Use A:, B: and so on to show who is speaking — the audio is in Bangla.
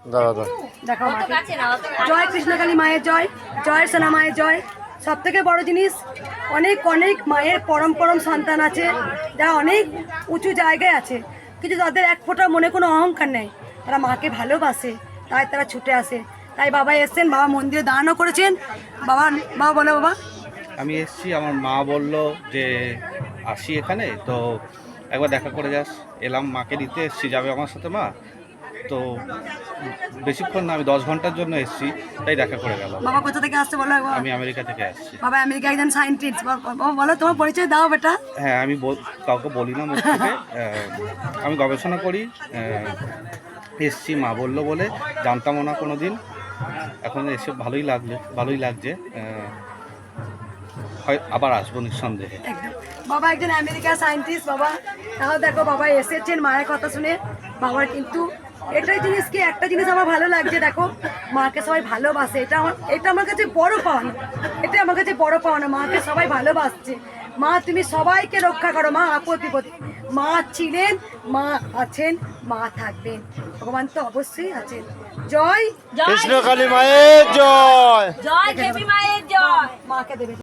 A: দেখো জয় কৃষ্ণকালী মায়ের জয়, জয় সোনা মায়ের জয়। সব থেকে বড় জিনিস, অনেক অনেক মায়ের পরম পরম সন্তান আছে যারা অনেক উঁচু জায়গায় আছে, কিন্তু তাদের এক ফোঁটা মনে কোনো অহংকার নেই, তারা মাকে ভালোবাসে, তাই তারা ছুটে আসে। তাই বাবা এসছেন, বাবা মন্দিরে দানও করেছেন। বাবা বাবা বলো বাবা।
B: আমি এসেছি, আমার মা বলল যে আসি এখানে, তো একবার দেখা করে যাস। এলাম, মাকে নিতে এসেছি, যাবে আমার সাথে মা। তো বেশিক্ষণ না, আমি 10 ঘন্টার জন্য এসেছি, তাই দেখা করে গেলাম।
A: বাবা কোথা থেকে আসছে বলো একবার।
B: আমি আমেরিকা থেকে আসছি।
A: বাবা আমেরিকা একজন সায়েন্টিস্ট। বাবা বলো তোমার পরিচয় দাও বেটা।
B: হ্যাঁ, আমি কাউকে বলি না মুখ থেকে। আমি গবেষণা করি, এসছি মা বললো বলে, জানতামও না কোনো দিন। এখন এসে ভালোই লাগছে। হয় আবার আসবো নিঃসন্দেহে।
A: একদম বাবা একজন আমেরিকা সায়েন্টিস্ট। বাবা তাও দেখো বাবা এসেছেন মায়ের কথা শুনে। বাবার কিন্তু এটাই জিনিস কি, একটা জিনিস আমার ভালো লাগছে, দেখো মাকে সবাই ভালোবাসে। এটা আমার কাছে বড় পাওনা, এটা আমার কাছে বড় পাওনা। মাকে সবাই ভালোবাসছে। মা তুমি সবাইকে রক্ষা করো মা, আপদ বিপদে। মা ছিলেন, মা আছেন, মা থাকবেন, ভগবান তো অবশ্যই আছেন। জয়
C: কৃষ্ণকালী মায়ের জয়,
D: জয় দেবী মায়ের জয়।
A: মাকে দেবে।